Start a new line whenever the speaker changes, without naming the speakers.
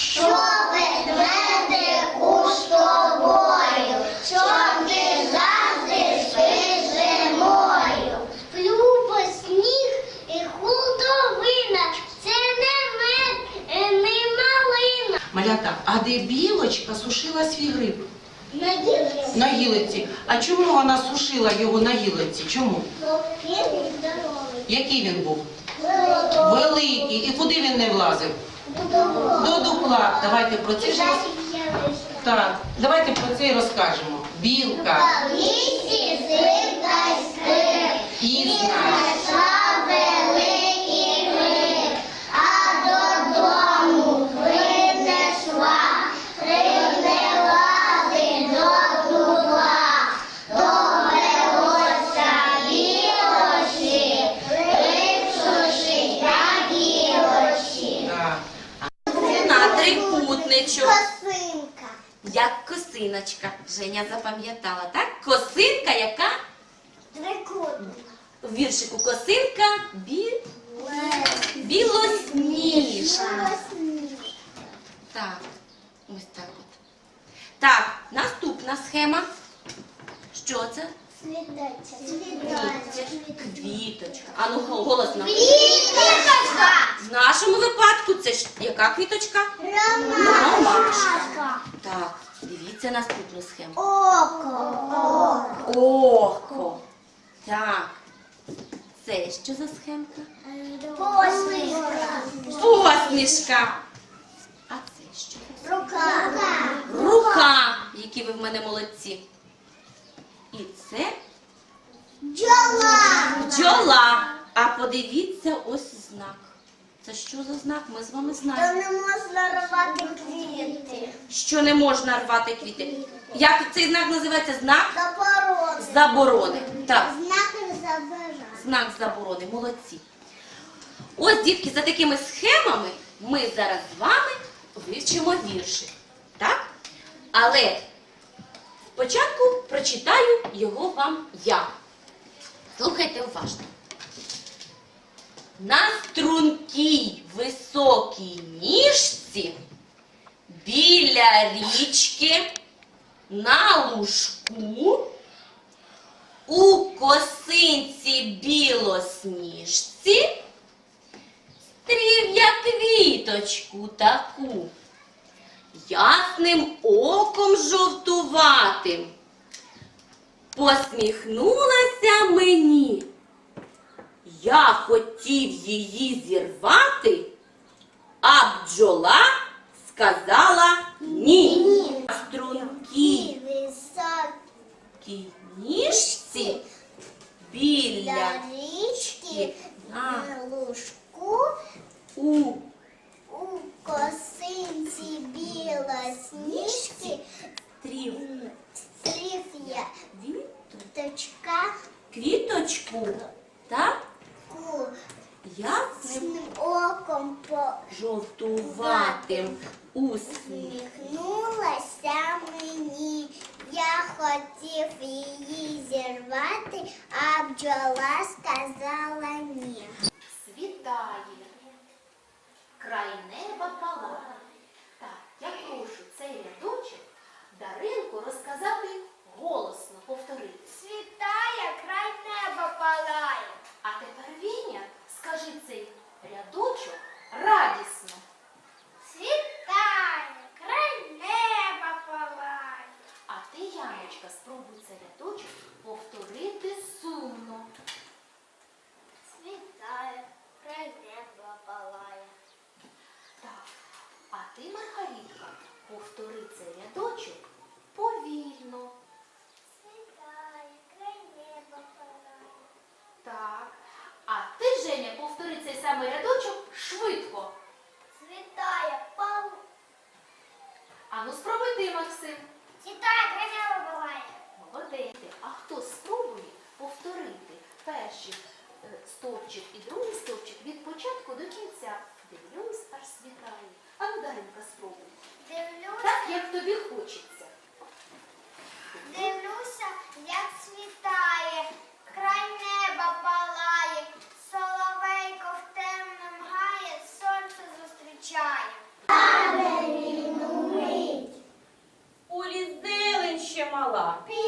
що ведмедику з тобою, щоб ти завжди спиш зимою. Сплю без сніг і худобина, це не мед, не малина.
Малята, а де білочка сушила свій гриб?
На гілці.
На гілиці. А чому вона сушила його на гілиці? Чому?
Він здоровий.
Який він був? Великий. І куди він не влазив? До дупла. Давайте про це ж так. Давайте про це і розкажемо. Білка.
В лісі злика скрип,
І
знайшла великий гриб, а додому принесла, привела до дупла, довелося білочі, гриб сушить на гілочі.
Так.
На трикутничок.
Косинка.
Як косиночка. Женя запам'ятала, так? Косинка, яка?
Трикутник.
В віршику косинка білосніжна. Так, ось так от. Так, наступна схема. Що це? Квіточка. А ну голосно.
Квіточка.
В нашому випадку це ж яка квіточка? Ромашка. Так, дивіться наступну схему.
Око.
Око. Так. Це що за схемка?
Посмішка.
Посмішка. А це що?
Рука.
Рука. Які ви в мене молодці. І це
Бджола.
бджола. А подивіться ось знак. Це що за знак? Ми з вами
То
знаємо.
не можна рвати квіти.
Що не можна рвати квіти. Як цей знак називається? Знак
Заборони.
заборони. Так.
Знаки заборони.
Знак заборони. Молодці. Ось, дітки, за такими схемами ми зараз з вами вивчимо вірші. Так? Але спочатку прочитаю його вам я. Слухайте уважно. На стрункій високій ніжці біля річки на лужку у косинці білосніжці стрів я квіточку таку, ясним оком жовтуватим посміхнулася мені. Я хотів її зірвати, а бджола сказала ні. На стрункій
Високі
ніжці біля
річки
на
на лужку
у
у косинці білосніжки
стрів
стрів я точка
квіточку, так?
ку
Ясним
оком
жовтуватим усміх.
посміхнулася мені. Я хотів її зірвати, а бджола сказала ні.
Світає, край неба палає. Так, я прошу цей рядочок Даринку розказати голосно, повторити.
Світає, край неба палає.
А тепер, Віня, скажи цей рядочок радісно.
Світає, край неба палає.
А ти, Яночка, спробуй цей рядочок повторити сумно.
Світає, край неба палає.
Так, а ти, Маргаритка, повтори цей рядочок повільно.
Світає, край неба палає.
Так. А ти, Женя, повтори цей самий рядочок швидко.
Світає, пал.
А ну спробуй ти, Максим.
Світає, край неба палає.
Молодець. А хто спробує повторити перший стовпчик і другий стовпчик від початку до кінця? Дивлюсь, аж світає. А ну, Даринка, спробуй.
Дивлюся,
Так, як тобі хочеться.
дивлюся, як світає, край неба палає, соловейко в темному гає, сонце зустрічає.
мала.
Пі.